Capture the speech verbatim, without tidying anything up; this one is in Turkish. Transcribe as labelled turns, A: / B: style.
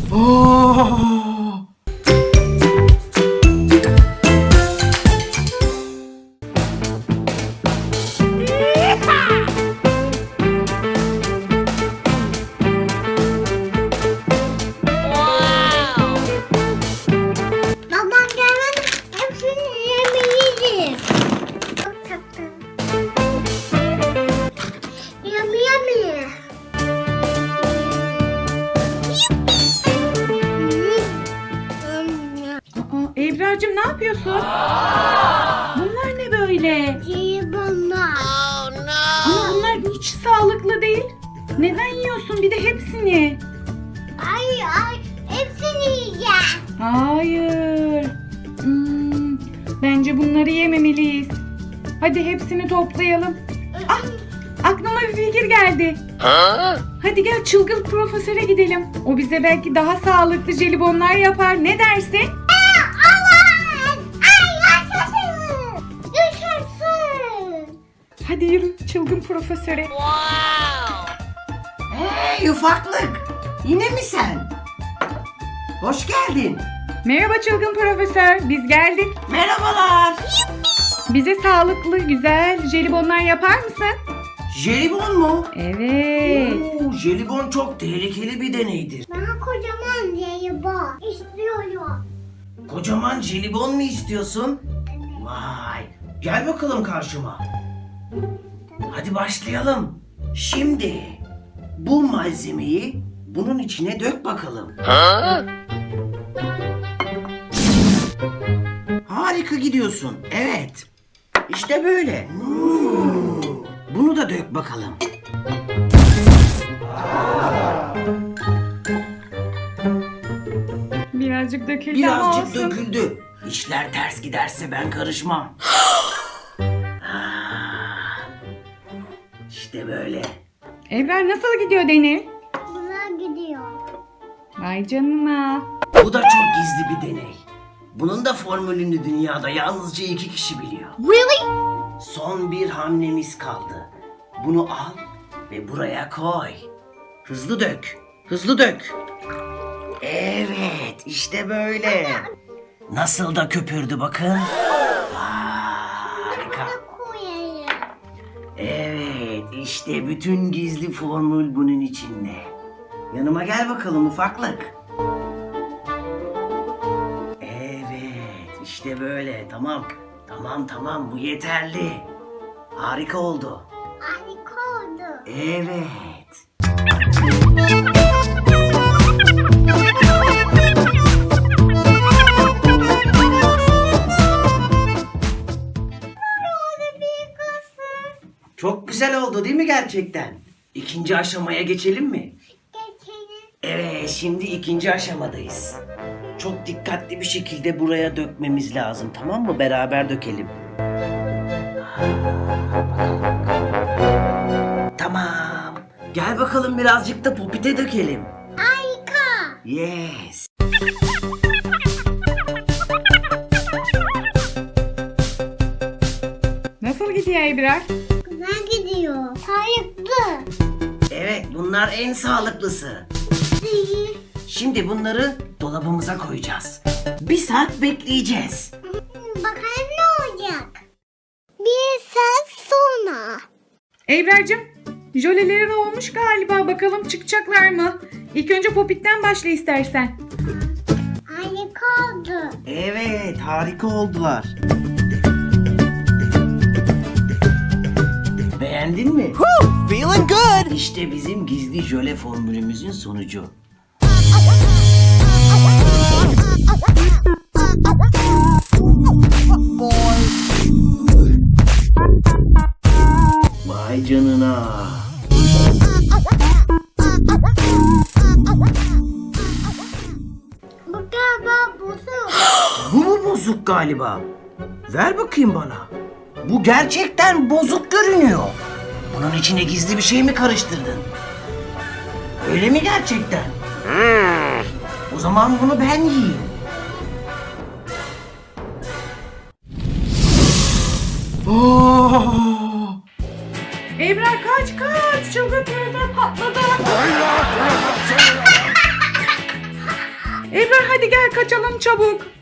A: Aa!
B: Babam gelmedi. Hepsini yemeliyim. Çok tatlı. Yummy yummy.
C: Aa, Ebrar'cığım ne yapıyorsun? Bunlar ne böyle?
B: Jelibonlar.
C: Ama bunlar hiç sağlıklı değil. Neden yiyorsun bir de hepsini?
B: Ay ay. Hepsini yiyeceğim.
C: Hayır. Hmm, bence bunları yememeliyiz. Hadi hepsini toplayalım. Ah, aklıma bir fikir geldi. Hadi gel çılgın profesöre gidelim. O bize belki daha sağlıklı jelibonlar yapar. Ne dersin?
B: Aman. Ay yaşasın. Yaşasın.
C: Hadi yürü çılgın profesöre.
A: Hey ufaklık! Yine mi sen? Hoş geldin.
C: Merhaba çılgın profesör. Biz geldik.
A: Merhabalar.
C: Bize sağlıklı, güzel jelibonlar yapar mısın?
A: Jelibon mu?
C: Evet.
A: Oo, jelibon çok tehlikeli bir deneydir.
B: Ben kocaman jelibon istiyorum.
A: Kocaman jelibon mu istiyorsun? Vay! Gel bakalım karşıma. Hadi başlayalım. Şimdi bu malzemeyi bunun içine dök bakalım. Harika gidiyorsun. Evet. İşte böyle. Hmm. Bunu da dök bakalım.
C: Birazcık döküldü ama
A: Birazcık
C: olsun.
A: döküldü. İşler ters giderse ben karışmam. Ah, İşte böyle.
C: Ebrar nasıl gidiyor deney?
B: Buna gidiyor.
C: Vay canına.
A: Bu da çok gizli bir deney. Bunun da formülünü dünyada yalnızca iki kişi biliyor.
B: Really?
A: Son bir hamlemiz kaldı. Bunu al ve buraya koy. Hızlı dök. Hızlı dök. Evet, işte böyle. Nasıl da köpürdü bakın. Harika.
B: Koyayım.
A: Evet, işte bütün gizli formül bunun içinde. Yanıma gel bakalım ufaklık. Evet, işte böyle. Tamam. Tamam tamam bu yeterli. Harika oldu.
B: Harika oldu.
A: Evet.
B: Oldu bir kızım.
A: Çok güzel oldu değil mi gerçekten? İkinci aşamaya geçelim mi?
B: Geçelim.
A: Evet, şimdi ikinci aşamadayız. Çok dikkatli bir şekilde buraya dökmemiz lazım, tamam mı? Beraber dökelim. Tamam. Gel bakalım birazcık da popite dökelim.
B: Harika.
A: Yes.
C: Nasıl gidiyor Ebrar?
B: Güzel gidiyor. Sayıklı.
A: Evet, bunlar en sağlıklısı.
B: İyi.
A: Şimdi bunları dolabımıza koyacağız. Bir saat bekleyeceğiz.
B: Bakalım ne olacak? Bir saat sonra.
C: Ebrar'cığım jöleleri olmuş galiba. Bakalım çıkacaklar mı? İlk önce popitten başla istersen.
B: Harika oldu.
A: Evet, harika oldular. Beğendin mi?
D: Woo, feeling good.
A: İşte bizim gizli jöle formülümüzün sonucu. Vay canına.
B: Bu galiba bozuk.
A: Bu mu bozuk galiba? Ver bakayım bana. Bu gerçekten bozuk görünüyor. Bunun içine gizli bir şey mi karıştırdın? Öyle mi gerçekten? O zaman bunu ben yiyeyim. Oh!
C: Ebrar kaç kaç. Çılgın profesör patladı. Hadi gel kaçalım çabuk.